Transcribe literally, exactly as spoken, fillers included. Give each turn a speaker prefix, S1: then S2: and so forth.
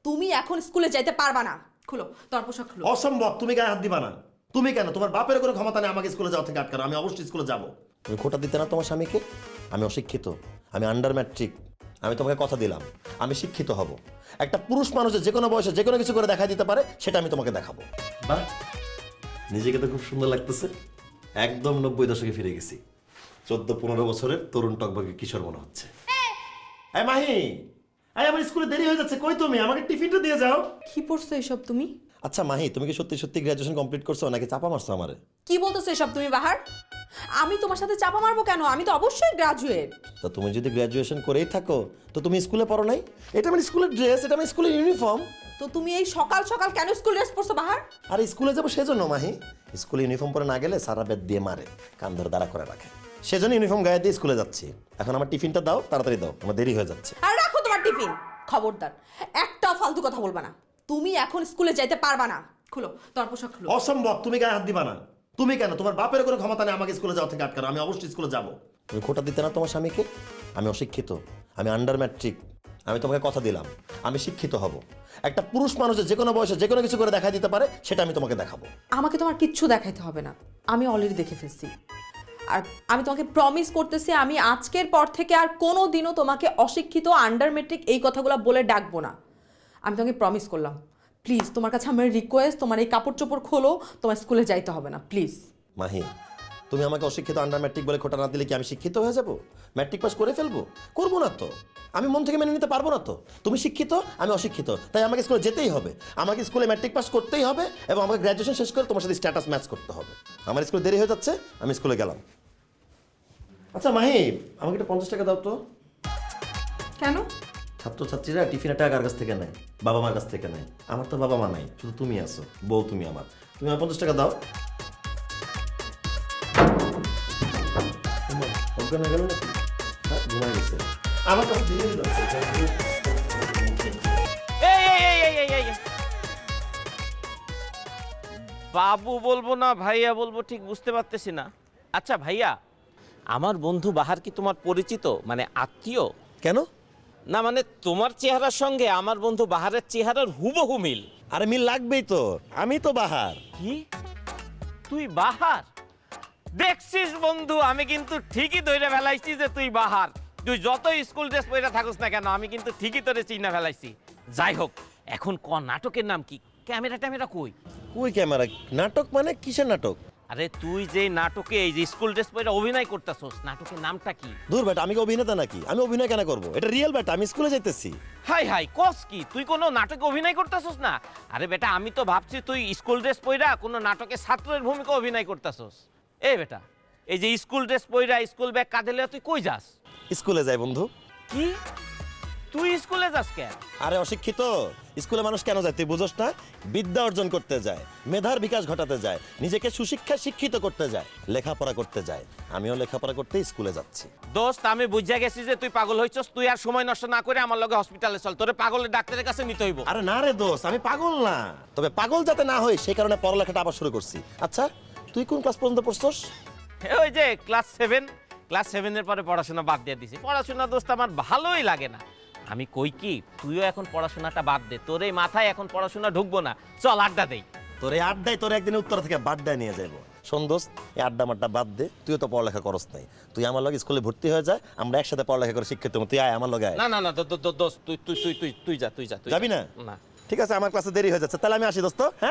S1: তুমি এখন স্কুলে যাইতে পারবা না। খুলো তোমার পোশাক খুলো।
S2: অসম্ভব, তুমি গায়ে হাত দিবা না। তুমি কেন? তোমার বাপের কোনো ক্ষমতা নেই আমাকে স্কুলে যাওয়া থেকে আটকানো। আমি অবশ্যই স্কুলে যাব। তুমি খোটা দিতে না তোমার স্বামীকে? আমি অশিক্ষিত, আমি আন্ডার ম্যাট্রিক। আমি তোমাকে কথা দিলাম আমি শিক্ষিত হব। একটা পুরুষ মানুষের যে কোনো বয়সে যে কোনো কিছু করে দেখা দিতে পারে, সেটা আমি তোমাকে দেখাবো। বাহ, নিজেকে তো খুব সুন্দর লাগতেছে। একদম নব্বই দশকে ফিরে গেছি। চোদ্দ পনেরো বছরের তরুণ টকবকে কিশোর মনে হচ্ছে। এই মাহি, এই আমার স্কুলে দেরি হয়ে যাচ্ছে, কই তুমি? আমাকে টিফিনটা দিয়ে যাও।
S1: কি পড়ছো এসব তুমি?
S2: আচ্ছা মাহি, তুমি কি সত্যি সত্যি গ্র্যাজুয়েশন কমপ্লিট করছো নাকি চাপা মারছো আমারে?
S1: কি বলতেছো এসব তুমি বাহার? আমি তোমার সাথে চাপা মারবো কেন? আমি তো অবশ্যই গ্রাজুয়েট।
S2: তা তুমি যদি গ্র্যাজুয়েশন করেই থাকো তো তুমি স্কুলে পড়ো নাই? এটা আমার স্কুলের ড্রেস, এটা আমার স্কুলের ইউনিফর্ম।
S1: তো তুমি এই সকাল সকাল কেন স্কুল ড্রেস পরছো বাহার?
S2: আর স্কুলে যাবো সেজন্য মাহি। স্কুলে ইউনিফর্ম পরে না গেলে সারা বেদ দিয়ে মারে, কান ধরে দাঁড়া করে রাখে। সেজন্য ইউনিফর্ম গায়ে দিয়ে স্কুলে যাচ্ছি। এখন আমার টিফিনটা দাও, তাড়াতাড়ি দাও, আমার দেরি হয়ে যাচ্ছে।
S1: আর রাখো তোমার টিফিন। খবরদার একটা ফালতু কথা বলবা না। তুমি এখন স্কুলে যাইতে পারবা না। খুলো তোমার পোশাক খুলো।
S2: অসম্ভব, তুমি গায়ে হাত দিবা না। তুমি কেন? তোমার বাপের কোনো ক্ষমতা নেই আমাকে স্কুলে যাওয়া থেকে আটকানো। আমি অবশ্যই স্কুলে যাব। তুমি খোটা দিতে না তোমার স্বামীকে? আমি অশিক্ষিত, আমি আন্ডার ম্যাট্রিক। আমি তোমাকে কথা দিলাম আমি শিক্ষিত হব। একটা পুরুষ মানুষের যে কোনো বয়সে যে কোনো কিছু করে দেখা দিতে পারে, সেটা আমি তোমাকে দেখাবো।
S1: আমাকে তোমার কিচ্ছু দেখাইতে হবে না, আমি অলরেডি দেখে ফেলছি। আর আমি তোমাকে প্রমিস করতেছি, আমি আজকের পর থেকে আর কোনো দিনও তোমাকে অশিক্ষিত, আন্ডার মেট্রিক এই কথাগুলো বলে ডাকবো না। আমি তোমাকে প্রমিস করলাম। প্লিজ তোমার কাছে আমার রিকোয়েস্ট, তোমার এই কাপড় চোপড় খোলো, তোমার স্কুলে যাইতে হবে না প্লিজ।
S2: মাহি, তুমি আমাকে অশিক্ষিত আন্ডার ম্যাট্রিক বলে খোটা না দিলে কি আমি শিক্ষিত হয়ে যাব? ম্যাট্রিক পাস করে ফেলবো? করবো না তো। আমি মন থেকে মেনে নিতে পারবো না তো। তুমি শিক্ষিত, আমি অশিক্ষিত, তাই আমাকে স্কুলে যেতেই হবে। আমাকে স্কুলে ম্যাট্রিক পাস করতেই হবে এবং আমাকে গ্র্যাজুয়েশন শেষ করে তোমার সাথে স্ট্যাটাস ম্যাচ করতে হবে। আমার স্কুলে দেরি হয়ে যাচ্ছে, আমি স্কুলে গেলাম। আচ্ছা মাহি, আমাকে একটা পঞ্চাশ টাকা দাও তো।
S1: কেন?
S2: ছাত্রছাত্রীরা টিফিনের টাকা কার কাছ থেকে নেয়? বাবা মার কাছ থেকে নেয়। আমার তো বাবা মা নাই, শুধু তুমি আছো, বউ তুমি আমার। তুমি আমার পঞ্চাশ টাকা দাও। অজ্ঞান হয়ে গেল নাকি? হ্যাঁ, ঘুমায় গেছে। আমার কাছে দিয়ে দিল।
S3: এই এই এই এই এই এই বাবু বলবো না ভাইয়া বলবো ঠিক বুঝতে পারতেছি না। আচ্ছা ভাইয়া, আমার বন্ধু বাহার কি তোমার পরিচিত, মানে আত্মীয়?
S2: কেন?
S3: না মানে তোমার চেহারার সঙ্গে আমার বন্ধু বাহারের চেহারার হুবহু মিল।
S2: আরে মিল লাগবেই তো, আমি তো বাহার।
S3: কি তুই বাহার? দেখছিস বন্ধু, আমি কিন্তু ঠিকই ধরে ফেলাইছি যে তুই বাহার। তুই যতই স্কুল ড্রেস পরে থাকুস না কেন, আমি কিন্তু ঠিকই তোরে চিনা ফেলাইছি। যাই হোক, এখন ক নাটকের নাম কি? ক্যামেরা ট্যামেরা কই?
S2: কই ক্যামেরা? নাটক মানে কিসের নাটক?
S3: আরে তুই যে নাটকে এই যে স্কুল ড্রেস পরে অভিনয় করতেছস, নাটকের নামটা কি?
S2: দূর বেটা, আমি কি অভিনেতা নাকি? আমি অভিনয় কেন করবো? এটা রিয়েল বেটা, আমি স্কুলে যাইতেছি।
S3: হাই হাই, কস কি তুই কোনো নাটকে অভিনয় করতেছস না? আরে বেটা, আমি তো ভাবছি তুই স্কুল ড্রেস পইরা কোনো নাটকে ছাত্রের ভূমিকা অভিনয় করতেছস। এই বেটা, এই যে স্কুল ড্রেস পইরা স্কুল ব্যাগ কাঁধে লইয়া তুই কই যাস?
S2: স্কুলে যাই বন্ধু।
S3: কি তুই স্কুলে যাস কেন?
S2: আরে অশিক্ষিত, স্কুলে মানুষ কেন যায় তুই বুঝোস না? বিদ্যা অর্জন করতে যায়, মেধার বিকাশ ঘটাতে যায়, নিজেকে সুশিক্ষায় শিক্ষিত করতে যায়, লেখাপড়া করতে যায়। আমিও লেখাপড়া করতে স্কুলে যাচ্ছি।
S3: দোস্ত, আমি বুঝা গেছি যে তুই পাগল হইছস। তুই আর সময় নষ্ট না করে আমার লগে হসপিটালে চল, তোরে পাগলের ডাক্তারের কাছে নিতে হইব।
S2: আরে না রে দোস্ত, আমি পাগল না, তবে পাগল যাতে না হয় সেই কারণে পড়ালেখাটা আবার শুরু করছি। আচ্ছা তুই কোন ক্লাস পর্যন্ত পড়ছস?
S3: ওই যে ক্লাস সেভেন। ক্লাস সেভেনের পরে পড়াশোনা বাদ দিয়ে দিছি। পড়াশোনা দোস্ত আমার ভালোই লাগে না। আমি কই কি, তুইও এখন পড়াশোনাটা বাদ দে, তোর এই মাথায় এখন পড়াশোনা ঢুকবো না। চল আড্ডা দেই।
S2: তোর এই আড্ডায় তোর একদিন উত্তর থেকে বাড্ডায় নিয়ে যাবো। শোন দোস্ত, এই আড্ডা মাড্ডা বাদ দে, তুইও তো পড়ালেখা করস নাই। তুই আমার লগে স্কুলে ভর্তি হয়ে যায়, আমরা একসাথে পড়ালেখা করে শিক্ষিত হবো। তুই আয় আমার লগে আয়।
S3: না না না দোস্ত তুই তুই তুই তুই তুই যা তুই যা তুই
S2: যাবি না?
S3: না।
S2: ঠিক আছে, আমার ক্লাসে দেরি হয়ে যাচ্ছে, তাহলে আমি আসি দোস্ত। হ্যাঁ।